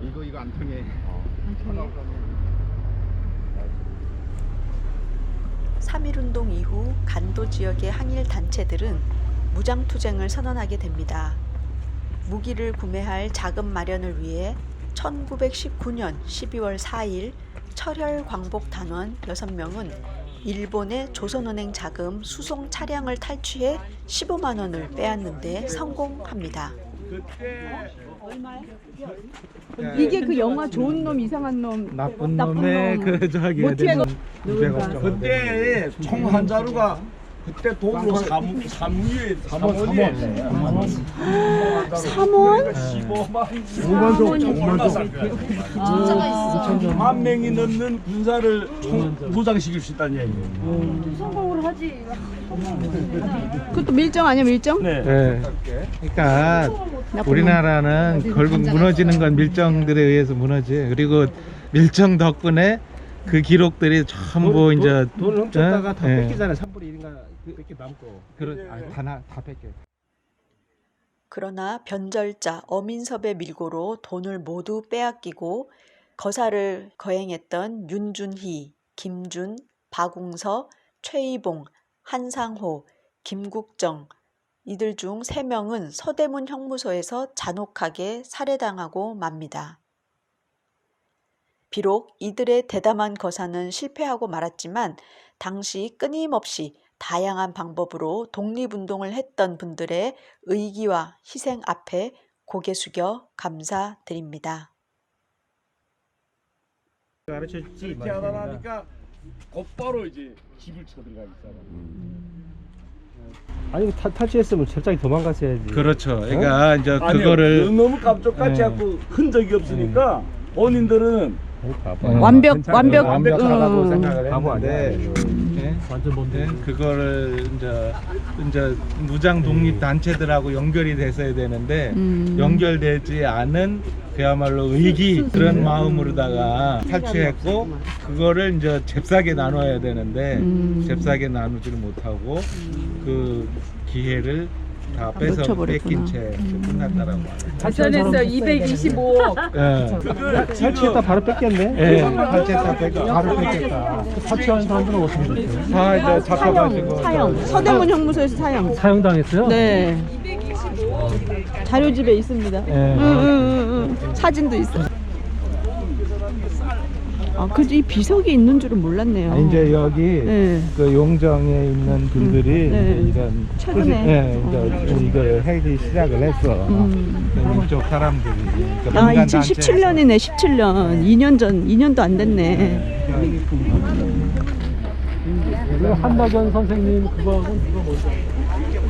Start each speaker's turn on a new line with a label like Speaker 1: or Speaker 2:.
Speaker 1: 이거 안 통해.
Speaker 2: 3.1운동 이후 간도 지역의 항일 단체들은 무장투쟁을 선언하게 됩니다. 무기를 구매할 자금 마련을 위해 1919년 12월 4일 철혈 광복 단원 6명은 일본의 조선은행 자금 수송 차량을 탈취해 15만 원을 빼앗는데 성공합니다.
Speaker 3: 이게 그 영화 좋은 놈 이상한 놈
Speaker 4: 나쁜 놈의 그 저기
Speaker 3: 모티에
Speaker 4: 200억 정도.
Speaker 5: 그때 총 한 자루가 그때 돈으로 3원이에요.
Speaker 3: 3원?
Speaker 5: 15만 5만 정. 만 명이 넘는 군사를 무장시킬 수 있다는 얘기예요.
Speaker 6: 성공을 하지.
Speaker 3: 그것도 밀정 아니야 밀정?
Speaker 5: 네.
Speaker 4: 네. 그러니까 우리나라는 결국 무너지는 건 밀정들에 의해서 무너지. 그리고 밀정 덕분에 그 기록들이 전부 이제
Speaker 7: 돈을 훔쳤다가 다
Speaker 4: 예.
Speaker 7: 뺏기잖아요. 3분의 1인가 뺏기 남고.
Speaker 4: 다 뺏겨.
Speaker 2: 그러나 변절자 어민섭의 밀고로 돈을 모두 빼앗기고 거사를 거행했던 윤준희, 김준, 박웅서, 최이봉, 한상호, 김국정 이들 중 3명은 서대문 형무소에서 잔혹하게 살해당하고 맙니다. 비록 이들의 대담한 거사는 실패하고 말았지만 당시 끊임없이 다양한 방법으로 독립운동을 했던 분들의 의기와 희생 앞에 고개 숙여 감사드립니다.
Speaker 7: 가르쳐 주지.
Speaker 5: 태어나니까 곧바로 이제 집을 쳐들어가기 시작하고.
Speaker 7: 아니 탈취했으면 철저히 도망갔어야지.
Speaker 4: 그렇죠. 그러니까 이제
Speaker 5: 아니요,
Speaker 4: 그거를
Speaker 5: 너무 깜짝같이
Speaker 4: 예.
Speaker 5: 하고 흔적이 없으니까 본인들은
Speaker 4: 완벽하다고 생각을
Speaker 7: 바보
Speaker 4: 했는데 예?
Speaker 7: 완전 뭔데?
Speaker 4: 그거를 이제 무장 독립 단체들하고 연결이 됐어야 되는데 연결되지 않은 그야말로 의기 그런 마음으로다가 탈취했고 그거를 이제 잽싸게 나눠야 되는데 잽싸게 나누지를 못하고 그 기회를 다 뺏어 뺏긴 채 끝났다라고 하네요.
Speaker 3: 자천했어 225억.
Speaker 4: 예.
Speaker 7: 탈취했다 바로 뺏겼네.
Speaker 4: 예. 탈취했다 뺏겨 바로 뺏겼다.
Speaker 7: 탈취한 사람들은 어떻게 됐어요?
Speaker 4: 다 이제 잡혀가지고
Speaker 3: 사형. 서대문 형무소에서 사형.
Speaker 7: 사형당했어요?
Speaker 3: 네. 자료집에 있습니다. 사진도 있어. 아, 그이 비석이 있는 줄은 몰랐네요.
Speaker 4: 이제 여기
Speaker 3: 네.
Speaker 4: 그 용정에 있는 분들이
Speaker 3: 네.
Speaker 4: 이제 이런
Speaker 3: 최근에.
Speaker 4: 이제 이걸 하기 시작을 했어. 이쪽 사람들이. 그러니까
Speaker 3: 아,
Speaker 4: 민간
Speaker 3: 2017년이네. 17년. 2년 전, 2년도 안 됐네.
Speaker 7: 한나견 선생님 그거하고 그거 뭐죠?